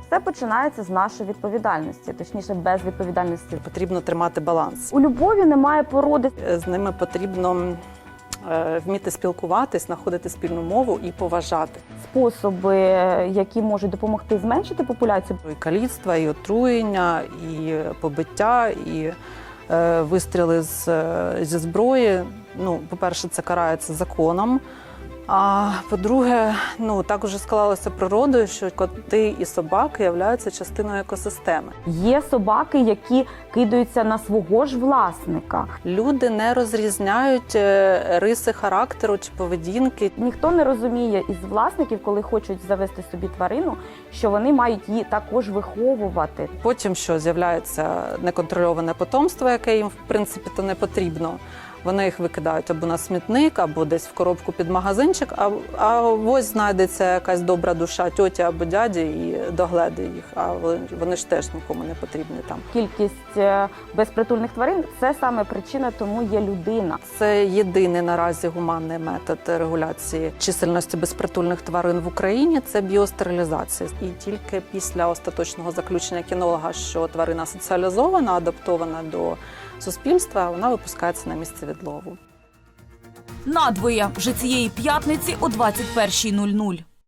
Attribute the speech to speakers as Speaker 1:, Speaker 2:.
Speaker 1: Все починається з нашої відповідальності, точніше, без відповідальності.
Speaker 2: Потрібно тримати баланс.
Speaker 1: У любові немає породи.
Speaker 2: З ними потрібно вміти спілкуватись, знаходити спільну мову і поважати.
Speaker 1: Способи, які можуть допомогти зменшити популяцію.
Speaker 2: І каліцтва, і отруєння, і побиття, і вистріли зі зброї. Ну, по-перше, це карається законом. А по-друге, так уже склалося природою, що коти і собаки являються частиною екосистеми.
Speaker 1: Є собаки, які кидаються на свого ж власника.
Speaker 2: Люди не розрізняють риси характеру чи поведінки.
Speaker 1: Ніхто не розуміє із власників, коли хочуть завести собі тварину, що вони мають її також виховувати.
Speaker 2: Потім, що з'являється неконтрольоване потомство, яке їм, в принципі, то не потрібно. Вони їх викидають або на смітник, або десь в коробку під магазинчик, а ось знайдеться якась добра душа тьоті або дяді і догледе їх, а вони ж теж нікому не потрібні там.
Speaker 1: Кількість безпритульних тварин – це саме причина, тому є людина.
Speaker 2: Це єдиний наразі гуманний метод регуляції чисельності безпритульних тварин в Україні – це біостерилізація. І тільки після остаточного заключення кінолога, що тварина соціалізована, адаптована до суспільства, вона випускається на місце відлову.
Speaker 3: Надвоє вже цієї п'ятниці о 21:00.